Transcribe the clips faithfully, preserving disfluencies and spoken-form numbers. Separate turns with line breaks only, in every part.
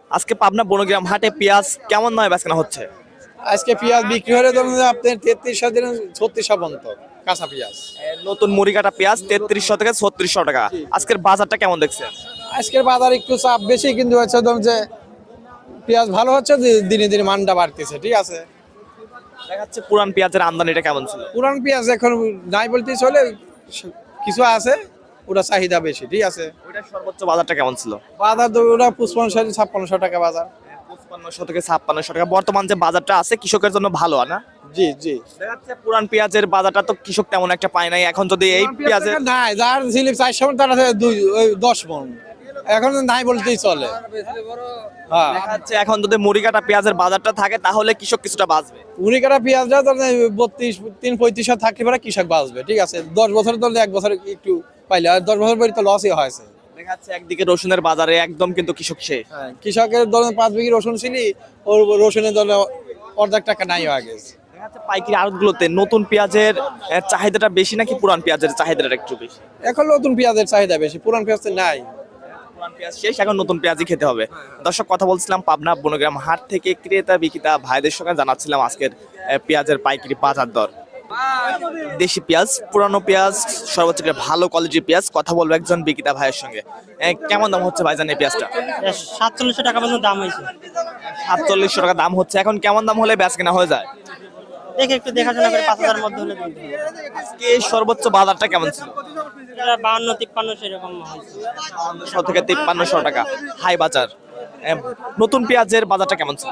আজকে পাবনা বনগ্রাম হাটে পেঁয়াজ কেমন নয় বেচকেনা হচ্ছে?
আজকে পেঁয়াজ বিক্রি হলে ধরুন যে আপনার তেত্রিশশো দিন ছত্রিশশো পর্যন্ত কাঁচা পেঁয়াজ।
এ, নতুন মুড়ি কাটা পেঁয়াজ তেত্রিশশো থেকে ছত্রিশশো টাকা। আজকের বাজারটা কেমন দেখছেন?
আজকের বাজার একটু চাপ বেশি, কিন্তু হচ্ছে ধরুন যে পেঁয়াজ ভালো হচ্ছে, দি- দিনে দিনে মানটা বাড়তেছে, ঠিক আছে।
দেখা যাচ্ছে পুরান পেঁয়াজের আমদানিটা কেমন ছিল?
পুরান পেঁয়াজ এখন নাই বলতে চলে, কিছু আছে, ওটা চাহিদা বেশি, ঠিক আছে।
ওইটার সর্বোচ্চ বাজারটা কেমন ছিল?
বাজার তো ওটা পঁচপান্ন ছাপ্পান্নশো টাকা বাজার।
পঁচপান্নশো থেকে ছাপ্পান্নশো টাকা বর্তমান যে বাজারটা আছে কৃষকের জন্য ভালো না?
জি জি।
দেখা যাচ্ছে পুরান পেঁয়াজের বাজারটা তো কৃষক তেমন একটা পায় নাই। এখন যদি এই পেঁয়াজের
নাই, যার ছিল চারশো মন তার আছে দুই ওই দশ মন, এখন নাই বলতেই চলে। হ্যাঁ,
দেখা যাচ্ছে এখন যদি মুড়ি কাটা পেঁয়াজের বাজারটা থাকে তাহলে কৃষক কিছুটা বাঁচবে।
উনি কাটা পেঁয়াজটা তো বত্রিশ তিন পঁয়ত্রিশ থাকতে পারে, কৃষক বাঁচবে, ঠিক আছে। দশ বছর ধরলে এক বছর একটু পাইলে, আর দশ বছর পরে তো লসই হয়েছে।
দেখা যাচ্ছে একদিকে রসুনের বাজারে একদম কিন্তু কৃষক শেষ।
কৃষকের ধরেন পাঁচ বিঘি রসুন ছিলি, ওর রসুনের ধরলে অর্ধেক টাকা নাই হয়ে গেছে।
দেখা যাচ্ছে পাইকারি আড়তগুলোতে নতুন পেঁয়াজের আহ, চাহিদাটা বেশি নাকি পুরান পেঁয়াজের চাহিদাটা একটু বেশি?
এখন নতুন পেঁয়াজের চাহিদা বেশি, পুরান পেঁয়াজ তো নাই।
পুরান পেঁয়াজ শেষ, এখন নতুন পেঁয়াজই খেতে হবে। দর্শক, কথা বলছিলাম পাবনা বনগ্রাম হাট থেকে ক্রেতা বিক্রেতা ভাইদের সঙ্গে জানাচ্ছিলাম আজকের আহ, পেঁয়াজের পাইকারি বাজার দর। দেশি পেঁয়াজ, পুরানো পেঁয়াজ, সর্বোচ্চ করে ভালো কোয়ালিটির পেঁয়াজ, কথা বলবো একজন বিক্রেতা ভাইয়ের সঙ্গে। আহ, কেমন দাম হচ্ছে ভাইজান এই পেঁয়াজটা?
সাতচল্লিশশো টাকা পর্যন্ত দাম হয়েছে।
সাতচল্লিশশো টাকা দাম হচ্ছে। এখন কেমন দাম হলে বেচ কেনা হয়ে যায়?
দেখে একটু দেখাশোনা করে পাঁচ হাজার মধ্যে হলে দিতে হবে।
আজকে সর্বোচ্চ বাজারটা কেমন ছিল?
এটা বাহান্ন তিপ্পান্ন সেরকম হয়েছে।
বাহান্নশো থেকে তিপ্পান্নশো টাকা হাই বাজার। আহ, নতুন পেঁয়াজের বাজারটা কেমন ছিল?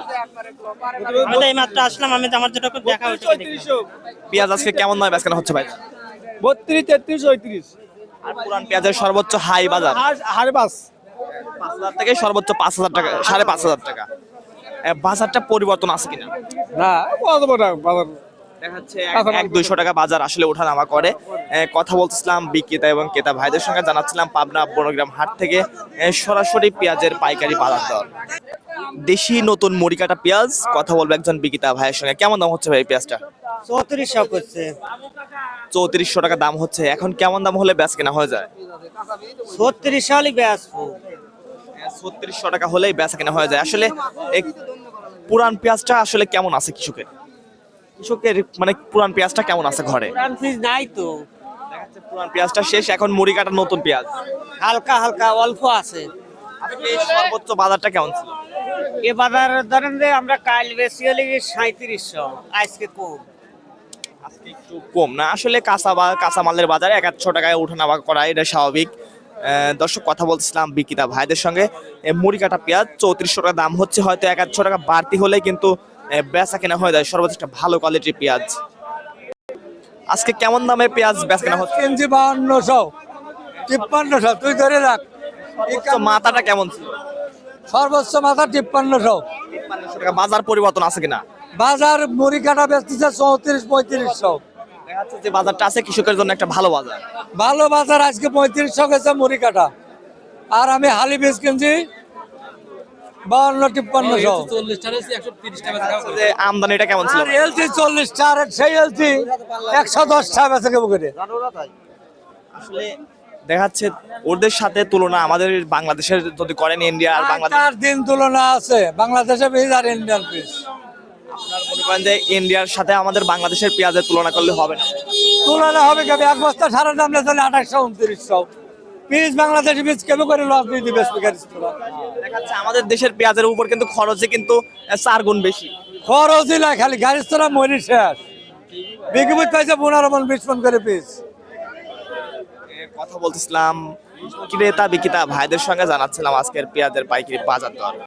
আমি তো এই মাত্র আসলাম, আমি তো আমার যেটুকু দেখা হয়েছে দেখলাম।
পেঁয়াজ আজকে কেমন নয় বেচ কেনা হচ্ছে ভাই?
বত্রিশ তেত্রিশ পঁয়ত্রিশ
আর পুরান পেঁয়াজের সর্বোচ্চ হাই বাজার
হারে বাস।
পাঁচ হাজার থেকে সর্বোচ্চ পাঁচ হাজার টাকা, সাড়ে পাঁচ হাজার টাকা। আহ, বাজারটা পরিবর্তন আছে কিনা?
না, বাজার
দেখা যাচ্ছে এক- এক দুইশো টাকা বাজার আসলে ওঠানামা করে। আহ, কথা বলছিলাম বিক্রেতা এবং ক্রেতা ভাইদের সঙ্গে, জানাচ্ছিলাম পাবনা বনগ্রাম হাট থেকে আহ, সরাসরি পেঁয়াজের পাইকারি বাজার দর। দেশি নতুন মুড়ি কাটা পেঁয়াজ, কথা বলবো একজন বিক্রেতা ভাইয়ের সঙ্গে। কেমন দাম হচ্ছে ভাই এই পেঁয়াজটা?
চৌত্রিশশো করছে।
চৌত্রিশশো টাকা দাম হচ্ছে। এখন কেমন দাম হলে বেচ কেনা হয়ে যায়?
ছত্রিশশো হলে ব্যাস।
ছত্রিশশো টাকা হলেই বেচা কেনা হয়ে যায়। আসলে এই পুরান পেঁয়াজটা আসলে কেমন আছে কৃষকের? কৃষকের মানে পুরান পেঁয়াজটা কেমন আছে ঘরে?
ফ্রিজ নাই তো,
দেখা যাচ্ছে পুরান পেঁয়াজটা শেষ, এখন মুড়ি কাটা নতুন পেঁয়াজ।
হালকা হালকা অল্প আছে।
আজকে সর্বোচ্চ বাজারটা কেমন ছিল?
এবার ধরেন যে আমরা কাল বেশি হলে সাঁত্রিশশো, আজকে কম।
আজকে একটু কম না, আসলে কাঁচা বা কাঁচা মালের বাজারে এক আধশো টাকায় ওঠানামা করা এটা স্বাভাবিক। আহ, দর্শক, কথা বলছিলাম বিক্রেতা ভাইদের সঙ্গে। এ, মুড়ি কাটা পেঁয়াজ চৌত্রিশশো টাকা দাম হচ্ছে, হয়তো এক আধশো টাকা বাড়তি হলে কিন্তু আহ, বেচা কেনা হয়ে যায় সর্বোচ্চ একটা ভালো কোয়ালিটির পেঁয়াজ। আজকে কেমন দামে পেঁয়াজ বেচা কেনা হচ্ছে?
কিনছি বাহান্নশো তিপ্পান্নশো, তুই ধরে রাখ।
সর্বোচ্চ মাথাটা কেমন ছিল?
সর্বোচ্চ মাথা তিপ্পান্নশো।
তিপ্পান্নশো টাকা। বাজার পরিবর্তন আছে কিনা?
বাজার মুড়ি কাটা বেচতেছে চৌত্রিশ পঁয়ত্রিশশো।
দেখা যাচ্ছে যে বাজারটা আছে কৃষকের জন্য একটা ভালো বাজার।
ভালো বাজার, আজকে পঁয়ত্রিশশো গেছে মুড়ি কাটা। আর আমি হালি বীজ কিনছি বাহান্ন তিপ্পান্নশো।
যে আমদানিটা কেমন ছিল?
আর এলসি চল্লিশ টার, সেই এলসি একশো দশ টাকা বেচে কেবো করে।
আসলে দেখা যাচ্ছে ওদের সাথে তুলনা আমাদের বাংলাদেশের যদি করেন, ইন্ডিয়া আর বাংলাদেশ,
চার দিন তুলনা আছে বাংলাদেশের বীজ আর ইন্ডিয়ান বীজ।
আপনার মনে করেন যে ইন্ডিয়ার সাথে আমাদের বাংলাদেশের পেঁয়াজের তুলনা করলে হবে না?
তুলনা হবে কেবে? এক বস্তা সারা দাম চলে আঠাশশো উনত্রিশশো। বীজ বাংলাদেশি বীজ কেবে করে লস দিয়ে দিবে?
দেখা যাচ্ছে আমাদের দেশের পেঁয়াজের উপর কিন্তু খরচে কিন্তু আহ, চার গুণ বেশি।
খরচই না, খালি গাড়ির তোরা মরি শেষ। বিঘিবুত পাইছে পনেরো মন বিশ মন করে বীজ।
এ, কথা বলতেছিলাম ক্রেতা বিক্রেতা ভাইদের সঙ্গে, জানাচ্ছিলাম আজকের পেঁয়াজের পাইকারি বাজার দর।